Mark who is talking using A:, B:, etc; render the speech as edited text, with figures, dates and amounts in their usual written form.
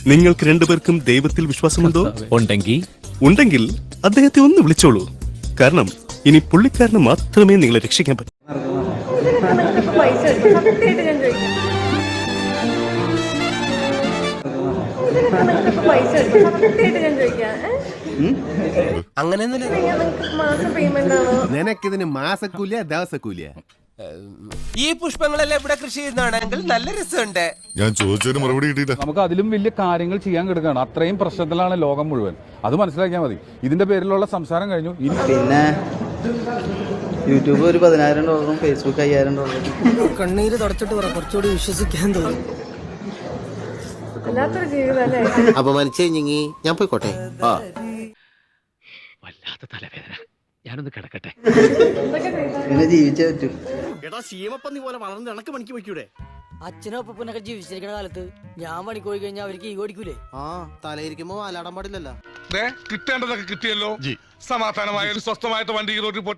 A: നിങ്ങൾക്ക് രണ്ടുപേർക്കും ദൈവത്തിൽ വിശ്വാസമുണ്ടോ? ഉണ്ടെങ്കിൽ അദ്ദേഹത്തെ ഒന്ന് വിളിച്ചോളൂ. കാരണം ഇനി പുള്ളിക്കാരന് മാത്രമേ നിങ്ങളെ രക്ഷിക്കാൻ പറ്റൂ.
B: നിനക്കിതിന് മാസക്കൂലിയ ദിവസക്കൂലിയ?
C: ഈ പുഷ്പങ്ങളെല്ലാം ഇവിടെ കൃഷി ചെയ്യുന്നതാണെങ്കിൽ നല്ല രസമുണ്ട്.
D: ഞാൻ ചോദിച്ചതിന് മറുപടി കിട്ടിയില്ല.
E: നമുക്ക് അതിലും വലിയ കാര്യങ്ങൾ ചെയ്യാൻ കിടക്കുകയാണ്. അത്രയും പ്രശ്നത്തിലാണ് ലോകം മുഴുവൻ. അത് മനസ്സിലാക്കിയാൽ മതി. ഇതിന്റെ പേരിലുള്ള സംസാരം കഴിഞ്ഞു.
F: പിന്നെ യൂട്യൂബ് ഒരു $10,000, ഫേസ്ബുക്ക് $5,000.
G: കണ്ണീര് തുടച്ചിട്ട് പറ, കുറച്ചുകൂടി വിശ്വസിക്കാൻ തോന്നും.
C: അപമാനിച്ചു കഴിഞ്ഞെങ്കി ഞാൻ പോയിക്കോട്ടെ.
H: വല്ലാത്ത തലവേദന, ഞാനൊന്ന് കിടക്കട്ടെ.
F: പിന്നെ ജീവിച്ചേ പറ്റൂ.
B: എടാ ശീമപ്പന്നി പോലെ വളർന്ന് ഇണക്ക് പണിക്ക് വയ്ക്കൂടെ?
G: അച്ഛനും അപ്പനൊക്കെ ജീവിച്ചിരിക്കുന്ന കാലത്ത് ഞാൻ പണിക്ക് പോയി കഴിഞ്ഞാൽ അവർക്ക് ഈ ഓടിക്കൂലേ?
C: തലയിരിക്കുമ്പോ അലാടാൻ പാടില്ലല്ലോ.
D: കിട്ടേണ്ടതൊക്കെ കിട്ടിയല്ലോ. സമാധാനമായ സ്വസ്ഥമായിട്ട് വണ്ടി റോഡിൽ